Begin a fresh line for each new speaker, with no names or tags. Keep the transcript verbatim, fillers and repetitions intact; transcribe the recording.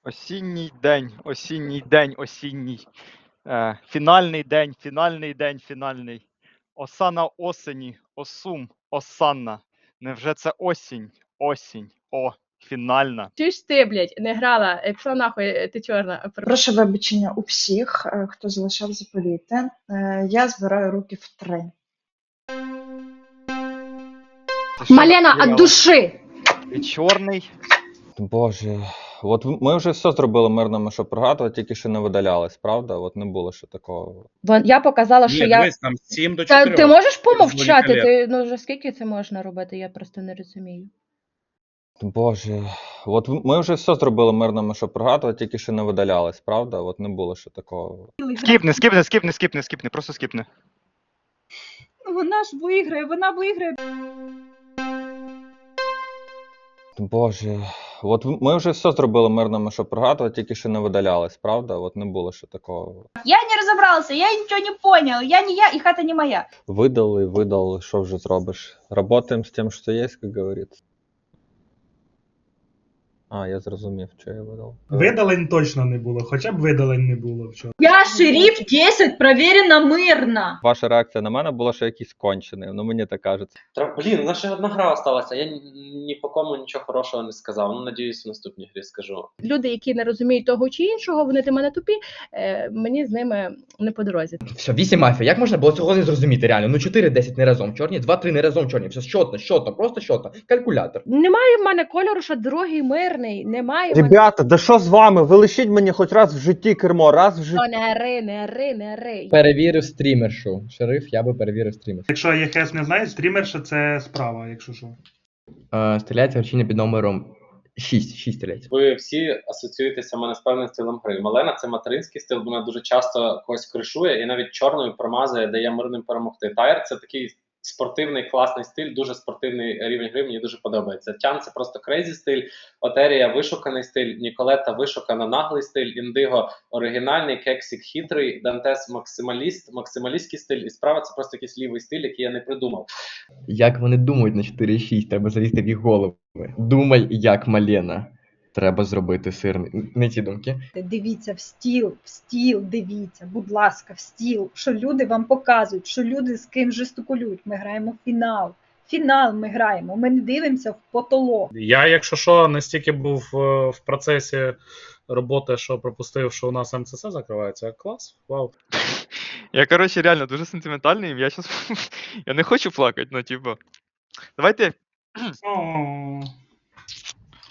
Осінній день, осінній день, осінній. Е, фінальний день, фінальний день, фінальний. Оса на осені, осум, осанна. Невже це осінь, осінь, о, фінальна.
Чуєш ти, блядь, не грала, е, пішла нахуй, е, ти чорна.
Прошу вибачення у всіх, е, хто залишав заповіти. Е, Я збираю руки в три.
Ти що
Малена,
наспівала?
от души!
Ти чорний.
Боже, от в- ми вже все зробили мирними, щоб прогадувати, тільки ще не видалялись, правда? От не було ще такого.
Вон- Я показала, що
Ні,
я...
дивись, там з сім до
Та,
чотирьох.
ти можеш помовчати?
Зволікалє.
Ти, ну, вже скільки це можна робити? Я просто не розумію.
Боже, от в- ми вже все зробили мирними, щоб прогадувати, тільки ще не видалялись, правда? От не було ще такого.
Скіпни, скіпни, скіпни, скіпни, скіпни, просто скіпни.
Вона ж виграє, вона виграє.
Боже, от в- ми вже все зробили мирними, щоб прогадувати, тільки ще не видалялись, правда? От не було ще такого.
Я не разобрался, я ничего не понял. Я не я, и хата не моя.
Видали, видали, що вже зробиш. Работаємо з тим, що є, як говориться. А, я зрозумів, що я видав.
Видалень точно не було, хоча б видалень не було вчора.
Я шериф десять, проверено мирно.
Ваша реакція на мене була, що якийсь кончений, ну мені так кажеться.
Тра- Блін, у нас ще одна гра осталася. Я ні, ні по кому нічого хорошого не сказав. Ну, надіюсь, в наступній грі скажу.
Люди, які не розуміють того чи іншого, вони ти мене тупі, е, мені з ними не по дорозі.
Все, вісім мафія. Як можна було цього не зрозуміти реально? Ну чотири десять не разом чорні, два три не разом чорні. Все щотно, щотно, просто щотно. Калькулятор.
Немає в мене кольору, що другий мирний, немає в мене...
Ребята, да що з вами? Ви лишіть мені хоч раз в житті кермо, раз в житті.
О, не ри, не ри, не ри.
Перевірив стрімершу. Шериф, я би перевірив стрімершу.
Якщо ЄХС не знає, стрімерша це справа, якщо що.
Е, стріляється гарчиня під номером шість. шість стріляється.
Ви всі асоціюєтеся в мене з певним стилем гри. Малена це материнський стил, вона дуже часто когось кришує і навіть чорною промазує, дає мирним перемогти. Тайр це такий спортивний, класний стиль, дуже спортивний рівень гри, мені дуже подобається. Тян це просто крейзі стиль, Отерія вишуканий стиль, Ніколета вишукана наглий стиль, Індиго оригінальний, Кексік хитрий, Дантес максималіст, максималістський стиль, і справа це просто якийсь лівий стиль, який я не придумав.
Як вони думають на чотири шість, треба залізти в їх голови. Думай, як Малена. Треба зробити сирний. Не ті думки.
Дивіться в стіл, в стіл, дивіться, будь ласка, в стіл. Що люди вам показують, що люди з ким жестикулюють. Ми граємо в фінал. Фінал ми граємо, ми не дивимося в потолок.
Я, якщо що, настільки був е, в процесі роботи, що пропустив, що у нас МЦС закривається. Клас, вау.
Я, коротше, реально дуже сентиментальний, я щас... я не хочу плакати, ну, типу. Давайте
О,